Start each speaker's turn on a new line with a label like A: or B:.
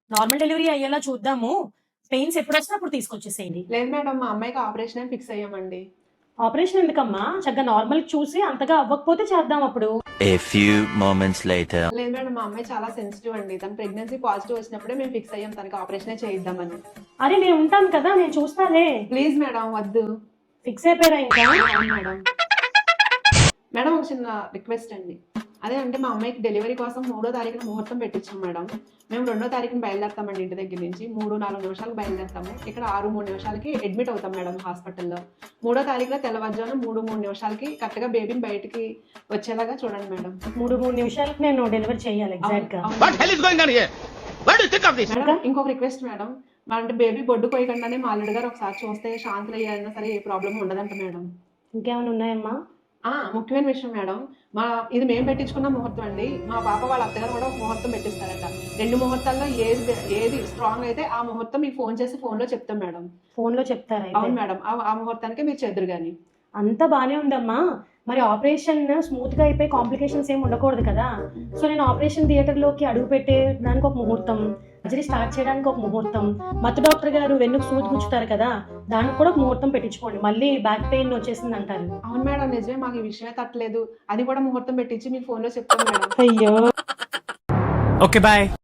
A: Normal delivery అయ్యేలా చూద్దాము. Pains ఎప్పుడొస్తే అప్పుడు తీసుకొచ్చేసేయండి.
B: లేదు మేడం, మా అమ్మాయికి ఆపరేషన్ అని ఫిక్స్ అయ్యామండి.
A: ఆపరేషన్ ఎందుకమ్మా? చక్కగా నార్మల్ చూసి అంతగా అవ్వకపోతే చేద్దాం అప్పుడు.
C: A few moments later.
B: లేదు మేడం, మా అమ్మాయి చాలా సెన్సిటివ్ అండి. తన ప్రెగ్నెన్సీ పాజిటివ్ వచ్చినప్పుడే మేము ఫిక్స్ అయ్యాం తనకి ఆపరేషనే చేయిద్దామని.
A: అరే నేను ఉంటాను కదా, నేను చూస్తాలే.
B: ప్లీజ్ మేడం వద్దు.
A: ఫిక్స్ అయిపోయారా ఇంకా?
B: అవును మేడం. మేడం ఒక చిన్న రిక్వెస్ట్ అండి. అదే అంటే మా అమ్మాయికి డెలివరీ కోసం 3వ తారీఖున ముహూర్తం పెట్టించాం మేడం. మేము 2వ తారీఖున బయలుదేరుతామండి ఇంటి దగ్గర నుంచి. 3-4 నిమిషాలకు బయలుదేరుతాము. ఇక్కడ 6-3 నిమిషాలకి అడ్మిట్ అవుతాం మేడం హాస్పిటల్లో. 3వ తారీఖున తెల్లవారుజామున 3-3 నిమిషాలకి కరెక్ట్గా బేబీని బయటికి వచ్చేలాగా చూడండి మేడం.
A: 3 నిమిషాలకు నేను డెలివరీ చేయాలి ఎగ్జాక్ట్ గా.
B: మేడం ఇంకొక రిక్వెస్ట్ మేడం, అంటే బేబీ బొడ్డు పోయకుండానే మా అల్లుడు గారు ఒకసారి చూస్తే శాంతులు అయ్యారన్నా సరే ఏ ప్రాబ్లం ఉండదంట మేడం.
A: ఇంకేమైనా ఉన్నాయమ్మా?
B: ముఖ్యమైన విషయం మేడం, ఇది మేము పెట్టించుకున్న ముహూర్తం అండి. మా పాప వాళ్ళ అత్తగారు కూడా ఒక ముహూర్తం పెట్టిస్తారట. 2 ముహూర్తాల్లో ఏది స్ట్రాంగ్ అయితే ఆ ముహూర్తం మీకు ఫోన్ చేసి ఫోన్లో చెప్తాం మేడం.
A: ఫోన్ లో చెప్తారా?
B: అవును మేడం, ఆ ముహూర్తానికి మీరు చెదురు గాని.
A: అంతా బానే ఉందమ్మా. మరి ఆపరేషన్ స్మూత్ గా అయిపోయి కాంప్లికేషన్స్ ఏమి ఉండకూడదు కదా. సో నేను ఆపరేషన్ థియేటర్ లోకి అడుగు పెట్టేదానికి ఒక ముహూర్తం, సర్జరీ స్టార్ట్ చేయడానికి ఒక ముహూర్తం, మత్తు డాక్టర్ గారు వెన్నుకు సూది గుచ్చుతారు కదా, దానికి కూడా ఒక ముహూర్తం పెట్టించుకోండి. మళ్ళీ బ్యాక్ పెయిన్ వచ్చేసింది అంటారు.
B: అవును మేడం, నిజమే, మాకు ఈ విషయమే తట్టలేదు. అది కూడా ముహూర్తం పెట్టించి మీకు ఫోన్లో చెప్తాం మేడం.
A: అయ్యో.
D: Okay bye.